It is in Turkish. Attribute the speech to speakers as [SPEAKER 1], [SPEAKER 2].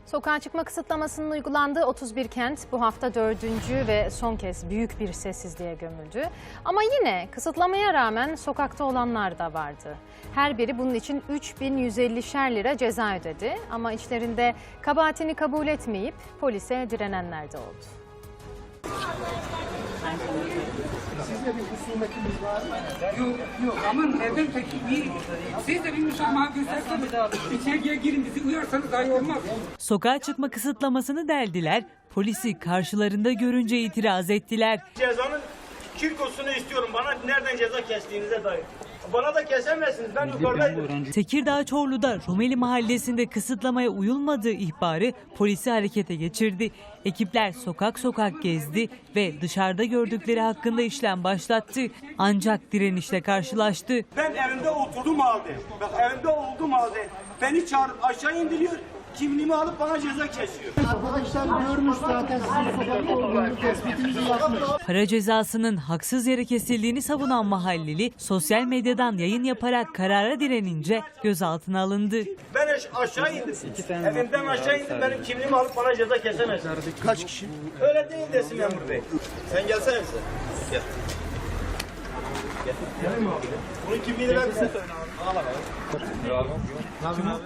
[SPEAKER 1] Sokağa çıkma kısıtlamasının uygulandığı 31 kent bu hafta 4. ve son kez büyük bir sessizliğe gömüldü. Ama yine kısıtlamaya rağmen sokakta olanlar da vardı. Her biri bunun için 3.150'şer lira ceza ödedi. Ama içlerinde kabahatini kabul etmeyip polise direnenler de oldu.
[SPEAKER 2] Sizde bir husumetiniz var mı?
[SPEAKER 3] Yok ama neden peki? Siz de bir müsamaha gösterseniz içeriye girin bizi uyarsanız dahi olmaz.
[SPEAKER 4] Sokağa çıkma kısıtlamasını deldiler, polisi karşılarında görünce itiraz ettiler.
[SPEAKER 5] Cezanın kirkosunu istiyorum. Bana nereden ceza kestiğinize dair. Bana da kesemezsiniz. Ben yukarıdaydım.
[SPEAKER 4] Tekirdağ Çorlu'da Rumeli Mahallesi'nde kısıtlamaya uyulmadığı ihbarı polisi harekete geçirdi. Ekipler sokak sokak gezdi ve dışarıda gördükleri hakkında işlem başlattı. Ancak direnişle karşılaştı.
[SPEAKER 5] Ben evimde oturdum halde. Bak evimde olduğum halde beni çağırıp aşağı indiriyor. Kimliğimi alıp bana ceza kesiyor.
[SPEAKER 2] Arkadaşlar görmüş zaten sizin sokakta olduğunuz tespitinizi yapmış.
[SPEAKER 4] Para cezasının haksız yere kesildiğini savunan mahalleli sosyal medyadan yayın yaparak karara direnince gözaltına alındı.
[SPEAKER 5] Ben aşağı indim. Evimden aşağı indim. Benim kimliğimi alıp bana ceza kesemezsin.
[SPEAKER 2] Kaç kişi?
[SPEAKER 5] Öyle değil desin memur bey. Sen gelsene bize. Gel. Gel. Bunun kimliğini ver bize. Al abi.